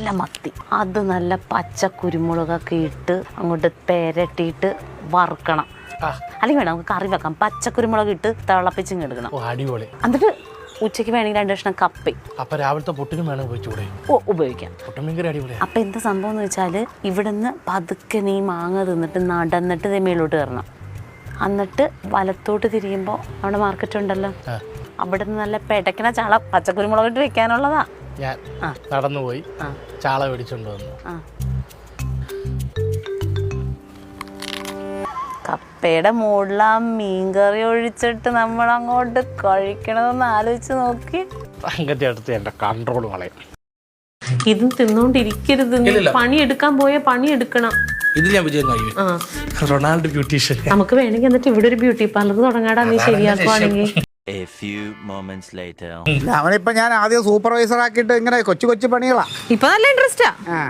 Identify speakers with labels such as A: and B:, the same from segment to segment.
A: നല്ല മത്തി, അത് നല്ല പച്ച കുരുമുളകൊക്കെ ഇട്ട് അങ്ങോട്ട് പെരട്ടിയിട്ട് വറുക്കണം. അല്ലെങ്കിൽ വേണം നമുക്ക് കറി വെക്കാം. പച്ചക്കുരുമുളക് ഇട്ട് തിളപ്പിച്ചിങ് എടുക്കണം.
B: അടിപൊളി.
A: എന്നിട്ട് ഉച്ചയ്ക്ക് വേണമെങ്കിൽ 2 കഷ്ണം കപ്പ.
B: അപ്പൊ രാവിലത്തെ പൊട്ടിനും വേണം ഉപയോഗിച്ചൂടെ?
A: ഉപയോഗിക്കാം.
B: അപ്പൊ
A: എന്താ സംഭവം എന്ന് വെച്ചാൽ ഇവിടുന്ന് പതുക്കെ നീ മാങ്ങ തിന്നിട്ട് നടന്നിട്ട് മേലോട്ട് കയറണം. എന്നിട്ട് വലത്തോട്ട് തിരിയുമ്പോൾ അവിടെ മാർക്കറ്റ് ഉണ്ടല്ലോ, അവിടെ നിന്ന് നല്ല പെടക്കണ ചാള പച്ചക്കുരുമുളകിട്ട് വെക്കാനുള്ളതാ.
B: ഞാൻ നടന്നുപോയി ചാള മേടിച്ചോണ്ട് വന്നു.
A: കപ്പയുടെ മുകളിൽ ആ മീൻകറി ഒഴിച്ചിട്ട് നമ്മൾ അങ്ങോട്ട് കഴിക്കണമെന്ന് ആലോചിച്ച് നോക്കി.
B: അടുത്ത് എന്റെ കൺട്രോൾ കളയും.
A: ഇതും തിന്നോണ്ടിരിക്കരുത്. പണിയെടുക്കാൻ പോയ പണിയെടുക്കണം.
B: ഇത് ഞാൻ വിജയം കഴിയും. Ronaldo beautician.
A: നമുക്ക് വേണമെങ്കിൽ എന്നിട്ട് ഇവിടെ ഒരു ബ്യൂട്ടി പാർലർ തുടങ്ങാടാ, നീ ശരിയാക്കുവാണെങ്കിൽ.
C: അവനിപ്പോ ഞാൻ ആദ്യം സൂപ്പർവൈസർ ആക്കിയിട്ട് ഇങ്ങനെ കൊച്ചു കൊച്ചു പണികളാ.
A: ഇപ്പൊ നല്ല ഇൻട്രസ്റ്റാ.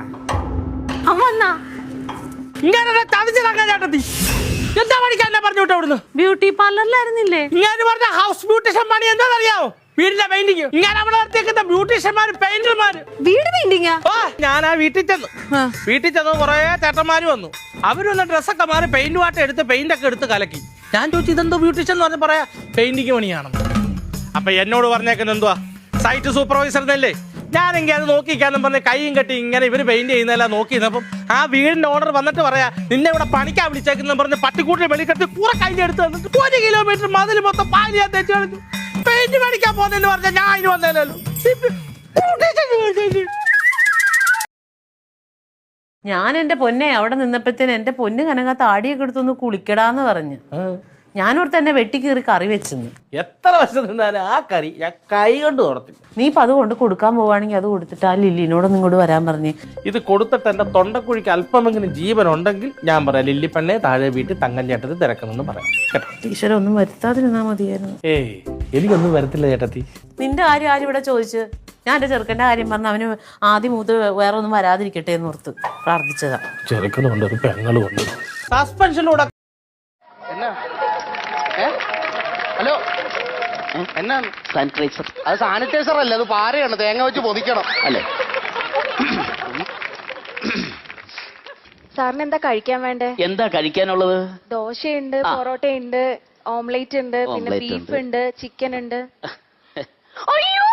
B: എന്താ പഠിക്കാൻ പറഞ്ഞു വിട്ടോ അവിടുന്ന്?
A: ബ്യൂട്ടി പാർലറിലായിരുന്നില്ലേ
B: ഇങ്ങനെ പറഞ്ഞ ഹൗസ് ബ്യൂട്ടീഷ്യൻ പണി എന്താണെന്നറിയാവോ? വീടിന്റെ പെയിന്റിങ്. ഇങ്ങനെ അവിടെ നിർത്തിയേക്കുന്ന ബ്യൂട്ടീഷ്യന്മാര് പെയിന്റർമാര്.
A: വീട് പെയിന്റിങ്ങാ?
B: ഞാൻ ആ വീട്ടിൽ ചെന്നു കുറെ ചേട്ടന്മാര് വന്നു. അവരൊന്ന് ഡ്രസ്സൊക്കെ മാറി പെയിന്റ് വാട്ട എടുത്ത് പെയിന്റ് ഒക്കെ എടുത്ത് കലക്കി. ഞാൻ ചോദിച്ചു ഇതെന്തോ ബ്യൂട്ടീഷ്യൻ എന്ന് പറഞ്ഞ പറയാ പെയിന്റിങ് പണിയാണെന്ന്. അപ്പൊ എന്നോട് പറഞ്ഞേക്കുന്നത് എന്തുവാ, സൈറ്റ് സൂപ്പർവൈസർ എന്നല്ലേ. ഞാനെങ്കിൽ അത് നോക്കിക്കാന്നും പറഞ്ഞ് കൈയും കെട്ടി ഇങ്ങനെ ഇവര് പെയിന്റ് ചെയ്യുന്നതെല്ലാം നോക്കി. അപ്പം ആ വീടിന്റെ ഓണർ വന്നിട്ട് പറയാ നിന്നെ ഇവിടെ പണിക്കാൻ വിളിച്ചേക്കുന്ന പറഞ്ഞ് പട്ടിക്കൂട്ടിൽ വെളിക്കെട്ടി കൂടെ കയ്യിൽ എടുത്ത് തന്നിട്ട് 1 കിലോമീറ്റർ മതിൽ മൊത്തം പാലിയാ തെച്ചു കളിച്ചു. പെയിന്റ് പണിക്കാൻ പോന്നെന്ന് പറഞ്ഞാൽ ഞാൻ അതിന് വന്നേലോ.
A: ഞാൻ എന്റെ പൊന്നെ അവിടെ നിന്നപ്പോഴത്തേന് എന്റെ പൊന്ന് കനക താടിയൊക്കെ എടുത്തൊന്ന് കുളിക്കടാന്ന് പറഞ്ഞ് ഞാനോട് തന്നെ വെട്ടിക്കീറി കറി വെച്ചെന്ന്.
B: എത്ര വർഷം നിന്നാലും ആ കറി ഞാൻ കൈ കൊണ്ട് തുറത്തില്ല.
A: നീ ഇപ്പൊ അത് കൊണ്ട് കൊടുക്കാൻ പോവാണെങ്കിൽ അത് കൊടുത്തിട്ട് ആ ലില്ലിനോടൊന്നും ഇങ്ങോട്ട് വരാൻ പറഞ്ഞേ.
B: ഇത് കൊടുത്തിട്ട് എന്റെ തൊണ്ടക്കുഴിക്ക് അല്പമെങ്കിലും ജീവൻ ഉണ്ടെങ്കിൽ ഞാൻ പറയാം ലില്ലിപ്പണ്ണെ താഴെ വീട്ടിൽ തങ്ങൻ ചേട്ടത്തി തിരക്കുന്നെന്ന് പറയാം കേട്ടോ.
A: ടീച്ചർ ഒന്നും വരുത്താതിരുന്നാ മതിയായിരുന്നു.
B: എനിക്കൊന്നും വരത്തില്ല ചേട്ടത്തി.
A: നിന്റെ കാര്യം ആരും ഇവിടെ ചോദിച്ചു? ഞാൻ എന്റെ ചെറുക്കന്റെ കാര്യം പറഞ്ഞ അവന് ആദ്യം മൂത്ത് വേറെ ഒന്നും വരാതിരിക്കട്ടെ എന്ന് ഓർത്ത് പ്രാർത്ഥിച്ചതാ.
B: ചെറുക്കനുണ്ട് ഒരു പെങ്ങളും ഉണ്ട്. സസ്പെൻഷനിലൂടെ
D: ഹലോ, എന്നാ സാനിറ്റൈസർ? അത് സാനിറ്റൈസർ അല്ല, അത് പാരയാണ്, തേങ്ങ വെച്ച് പൊതിക്കണം അല്ലേ?
E: സാറിന് എന്താ കഴിക്കാൻ വേണ്ടേ?
D: എന്താ കഴിക്കാനുള്ളത്?
E: ദോശയുണ്ട്, പൊറോട്ടയുണ്ട്, ഓംലേറ്റ് ഉണ്ട്, പിന്നെ ബീഫ് ഉണ്ട്, ചിക്കൻ ഉണ്ട്. അയ്യോ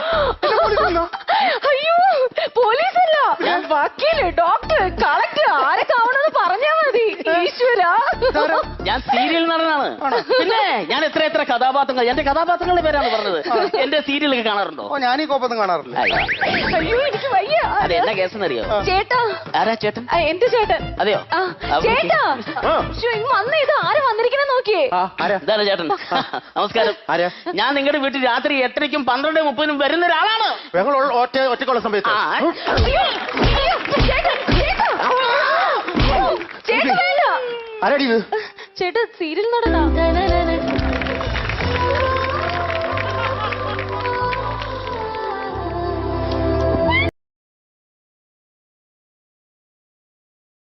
E: അയ്യോ, പോലീസല്ല, വക്കീല്, ഡോക്ടർ, കളക്ടർ, ആരൊക്കെ ആവണമെന്ന് പറഞ്ഞാ മതി. ഈശ്വര,
D: ഞാൻ സീരിയൽ നടനാണ്. പിന്നെ ഞാൻ എത്ര കഥാപാത്രങ്ങൾ, എന്റെ കഥാപാത്രങ്ങളുടെ പേരാണ് പറഞ്ഞത്. എന്റെ സീരിയലൊക്കെ കാണാറുണ്ടോ? ഞാൻ ഈ കോപ്പൊന്നും കാണാറില്ല.
E: അയ്യോ എനിക്ക് വയ്യ.
D: അതെ, എന്നാ കേസെന്നറിയോ?
E: ചേട്ടാ.
D: ആരാ ചേട്ടൻ?
E: എന്റെ ചേട്ടൻ.
D: അതെയോ?
E: ചേട്ടാ വന്ന് ഇത് ആര് വന്നിരിക്കണേ നോക്കിയേ.
D: ഇതാണ് ചേട്ടൻ. നമസ്കാരം. ഞാൻ നിങ്ങളുടെ വീട്ടിൽ രാത്രി 8:00-ക്കും 12:30-നും വരുന്ന ഒരാളാണ്. ഒറ്റക്കുള്ള സമയത്ത്.
E: ചേട്ടാ സീരിയൽ നടനാ.